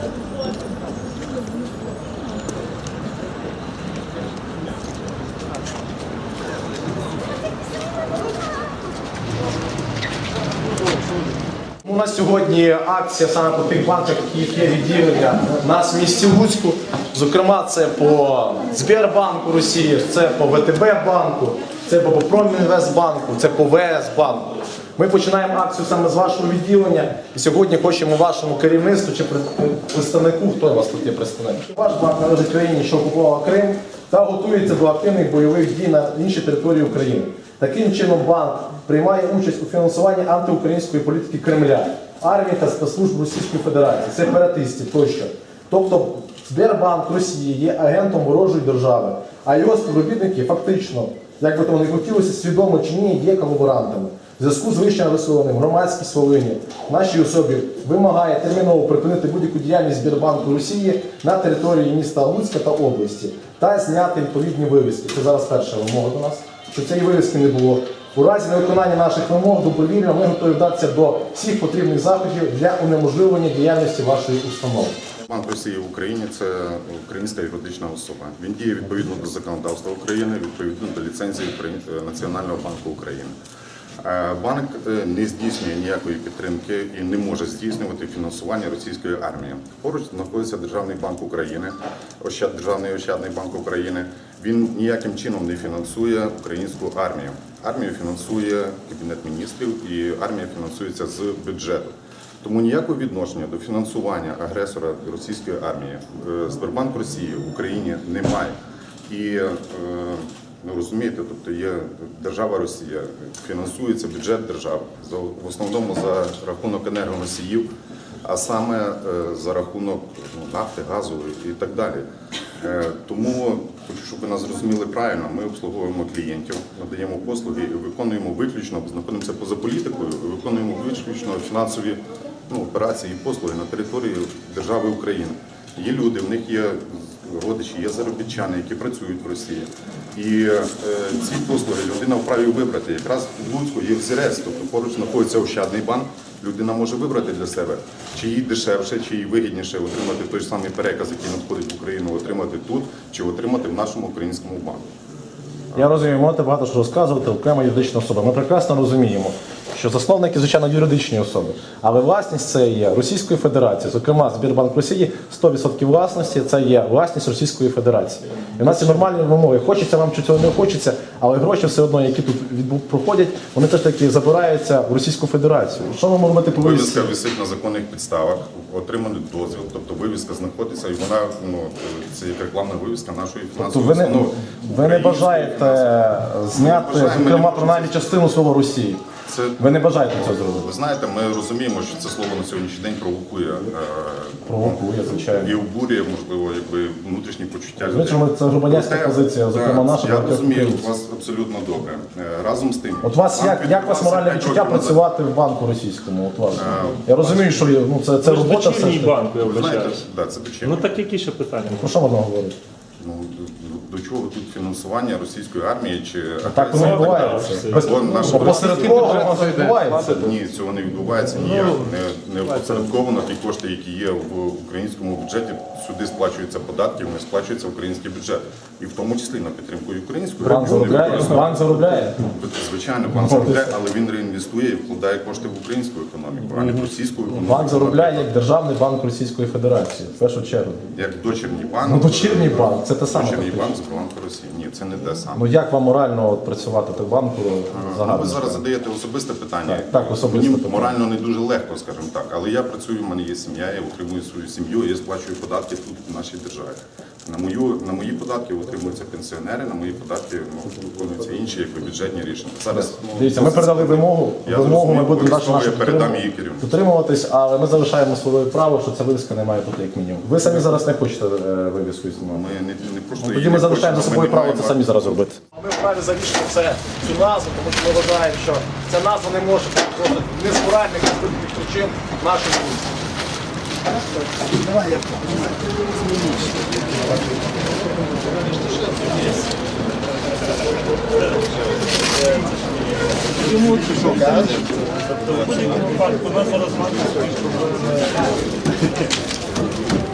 У нас сьогодні акція саме по тих банках, які є відділення у нас в місті Луцьку. Зокрема, це по Сбербанку Росії, це по ВТБ банку, це по Промінвестбанку, це по ВС банку. Ми починаємо акцію саме з вашого відділення і сьогодні хочемо вашому керівництву чи представнику, хто у вас тут є представник? Ваш банк належить країні, що окупувала Крим та готується до активних бойових дій на іншій території України. Таким чином банк приймає участь у фінансуванні антиукраїнської політики Кремля, армії та спецслужб Російської Федерації, сепаратистів тощо. Тобто Сбербанк Росії є агентом ворожої держави, а його співробітники фактично, як би тому не хотілося, свідомо чи ні, є колаборантами. В зв'язку з вище висловленим громадськість Волині нашій особі вимагає терміново припинити будь-яку діяльність Сбербанку Росії на території міста Луцька та області та зняти відповідні вивіски. Це зараз перша вимога до нас, щоб цієї вивіски не було. У разі невиконання наших вимог добровільно ми готові вдатися до всіх потрібних заходів для унеможливлення діяльності вашої установи. Банк Росії в Україні – це українська юридична особа. Він діє відповідно до законодавства України, відповідно до ліцензії Національного банку України. Банк не здійснює ніякої підтримки і не може здійснювати фінансування російської армії. Поруч знаходиться Державний банк України, Державний ощадний банк України. Він ніяким чином не фінансує українську армію. Армію фінансує Кабінет міністрів і армія фінансується з бюджету. Тому ніякого відношення до фінансування агресора російської армії Сбербанк Росії в Україні немає. І розумієте, тобто є держава Росія, фінансується бюджет держави, в основному за рахунок енергоносіїв, а саме за рахунок нафти, газу і так далі. Тому хочу, щоб ви нас зрозуміли правильно, ми обслуговуємо клієнтів, надаємо послуги і виконуємо виключно, знаходимося поза політикою, і виконуємо виключно фінансові операції і послуги на території держави України. Є люди, в них є родичі, є заробітчани, які працюють в Росії. І ці послуги людина вправі вибрати. Якраз в Луцьку є взірець, тобто поруч знаходиться Ощадний банк. Людина може вибрати для себе, чи їй дешевше, чи їй вигідніше отримати той ж самий переказ, який надходить в Україну, отримати тут, чи отримати в нашому українському банку. Я розумію, можете багато що розказувати, окрема юридична особа. Ми прекрасно розуміємо, що засновники, звичайно, юридичні особи, але власність це є Російської Федерації, зокрема, Сбербанк Росії, 100% власності це є власність Російської Федерації. І в нас є нормальні вимоги, хочеться вам чи цього не хочеться, але гроші все одно, які тут проходять, вони теж таки забираються в Російську Федерацію. Що ми можемо робити по вивісці? Вивіска висить на законних підставах, отриманий дозвіл, тобто вивіска знаходиться і вона, це як рекламна вивіска нашої фінансової установи. Ви не бажаєте зняти, зокрема, принаймні частину слова Росії? Ви не бажаєте цього зробити? Ви знаєте, ми розуміємо, що це слово на сьогоднішній день провокує. Провокує, звичайно. І обурює, можливо, внутрішні почуття людей. Звичайно, це громадянська позиція, зокрема наша. Я розумію вас абсолютно добре. Разом з тим. От вас, як вас моральне відчуття працювати в банку російському? От вас. Я розумію, що це робота все ж таки. Банку, я вважаю. Так, це дочірній. Так які ще питання? Про що можна говорити? До чого тут фінансування російської армії чи так воно відбувається. Опосередковано відбувається. Ні, цього не відбувається ніяк. Не опосередковано ті кошти, які є в українському бюджеті, сюди сплачуються податки, вони сплачуються в український бюджет. І в тому числі на підтримку української армії. Банк заробляє? Звичайно, банк заробляє, але він реінвестує і вкладає кошти в українську економіку, а не в російську економіку. Банк заробляє як Державний банк Російської Федерації, в першу чергу. Як дочірній банк. Дочірній банк, це те саме. Дочірній банк Сбербанку Росії. Ні, це не те саме. Як вам морально працювати в банку загально? Ви зараз задаєте особисте питання. Так, особисте Мені питання. морально не дуже легко, скажімо так, але я працюю, в мене є сім'я, я утримую свою сім'ю, я сплачую податки тут, в нашій державі. На мої податки утримуються пенсіонери, на мої податки виконуються інші бюджетні рішення. Зараз, дивіться, ми передали вимогу, ми будемо дотримуватись, але ми залишаємо своє право, що ця вивіска не має бути як мінімум. Ви самі зараз не хочете вивіску знімати? Ми не просто тоді ми залишаємо за собою право це самі зараз робити. Ми вправі залишити цю назву, тому що ми вважаємо, що ця назва не може бути не з моральних, не з політичних причин нашої вулиці. Давай я Чому ти що кажеш? Тобто в будь-якому випадку у нас зараз